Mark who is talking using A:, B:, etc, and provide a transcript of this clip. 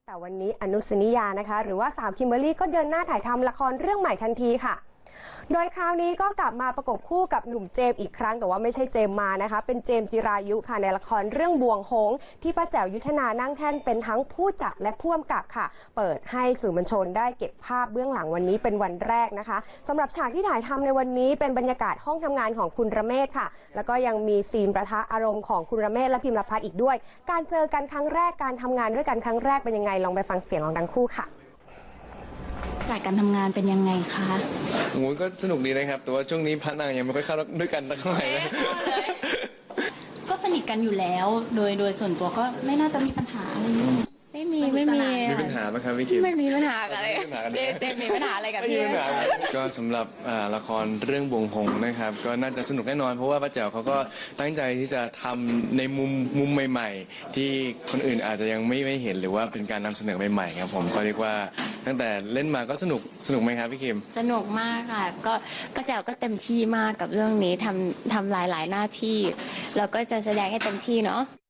A: แต่วันนี้อนุสนิยานะคะหรือว่าสาวคิมเบอรรี่ก็เดินหน้าถ่ายทำละครเรื่องใหม่ทันทีค่ะโดยคราวนี้ก็กลับมาประกบคู่กับหนุ่มเจมส์อีกครั้งแต่ว่าไม่ใช่เจมส์มานะคะเป็นเจมส์จิรายุค่ะในละครเรื่องบ่วงหงส์ที่ป้าแจ๋วยุทธนานั่งแท่นเป็นทั้งผู้จัดและผู้กำกับค่ะเปิดให้สื่อมวลชนได้เก็บภาพเบื้องหลังวันนี้เป็นวันแรกนะคะสำหรับฉากที่ถ่ายทำในวันนี้เป็นบรรยากาศห้องทำงานของคุณระเมศค่ะแล้วก็ยังมีซีนประทะอารมณ์ของคุณระเมศและพิมพ์ละพัฒน์อีกด้วยการเจอกันครั้งแรกการทำงานด้วยกันครั้งแรกเป็นยังไงลองไปฟังเสียงของทั้งคู่ค่ะ
B: จากการทำงานเป็นยังไงคะ
C: โอ้ก็สนุกดีนะครับแต่ว่าช่วงนี้พัฒนางยังไม่ค่อยเข้าด้วยกันเท่าไหร่เลย
B: ก็สนิทกันอยู่แล้วโดยส่วนตัวก็ไม่น่าจะมีปัญหาอะไรไม่มี
C: มีปัญหาไหมครับพี่คิม
B: ไม่มีปัญหาอะไรเจมีปัญหาอะไรกับพี่
C: ก็สำหรับละครเรื่องบ่วงหงส์นะครับก็น่าจะสนุกแน่นอนเพราะว่าป้าแจ๋วเขาก็ตั้งใจที่จะทำในมุมใหม่ๆที่คนอื่นอาจจะยังไม่เห็นหรือว่าเป็นการนำเสนอใหม่ๆครับผมก็เรียกว่าตั้งแต่เล่นมาก็สนุกไหมครับพี่คิม
B: สนุกมากค่ะก็ป้าแจ๋วก็เต็มที่มากกับเรื่องนี้ทำหลายหน้าที่แล้วก็จะแสดงให้เต็มที่เนาะ